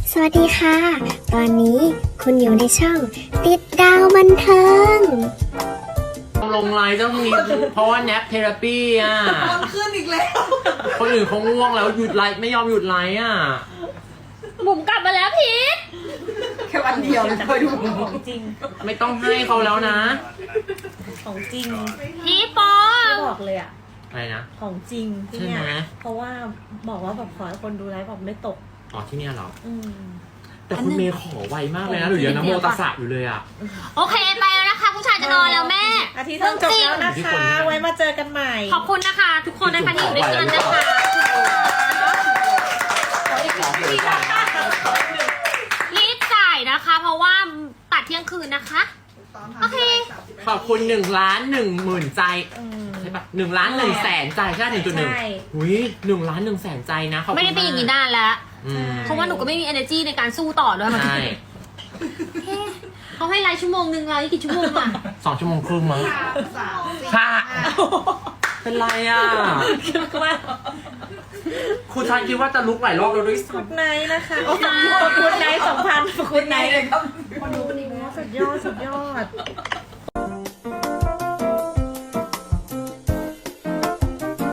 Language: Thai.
สวัสดีค่ะ ตอนนี้คุณอยู่ในช่องติดดาวบันเทิงลงไลน์ต้องมีเพราะว่าแนปเทอราปีอ่ะมันขึ้นอีกแล้วคนอื่นเขาง่วงแล้วหยุดไลฟ์ไม่ยอมหยุดไลฟ์อ่ะบุ๋มกลับมาแล้วพีทแค่วันเดียวเลยเคยดูของจริงไม่ต้องให้เขาแล้วนะของจริงพีทปอไม่บอกเลยอะอะไรนะของจริงที่ใช่เนี่ไหมยเพราะว่าบอกว่าแบบขอให้คนดูไลฟ์แบบไม่ตกอ๋อที่เนี่ยเหรออืมแต่คุณเมย์ขอไวมากเลยนะหรือยังนะโมตัสสะอยู่เลยอ่ะโอเคไปแล้วนะคะ ผู้ชายจะนอนแล้วแม่อาทิตย์ต้องจบแล้วนะที่คะคนเนี่ยไว้มาเจอกันใหม่ขอบคุณนะคะ ทุกคนนะคะที่อยู่ด้วยกันนะคะ รีบจ่ายนะคะ เพราะว่าตัดเที่ยงคืนนะคะ โอเคขอบคุณ1,10,000ใจอืมใช่ปะ1,100,000ใจใช่ 1.1 ใช่อุ้ย1,100,000ใจนะขอบคุณไม่ได้เป็นอย่างนี้นานแล้วอืมเพราะว่าหนูก็ไม่มี energy ในการสู้ต่อด้วยมันใช่เขาให้ไลฟ์ชั่วโมงนึงไลฟ์กี่ชั่วโมงอะ 2 ชั่วโมงครึ่งมั้งค่ะเป็นไรอ่ะครูชายคิดว่าจะลุกหลายรอบแล้วด้วยกุดไนท์นะคะโอ้โหกุดไนท์2,000กุดไนท์เลยครับสุดยอดสุดยอด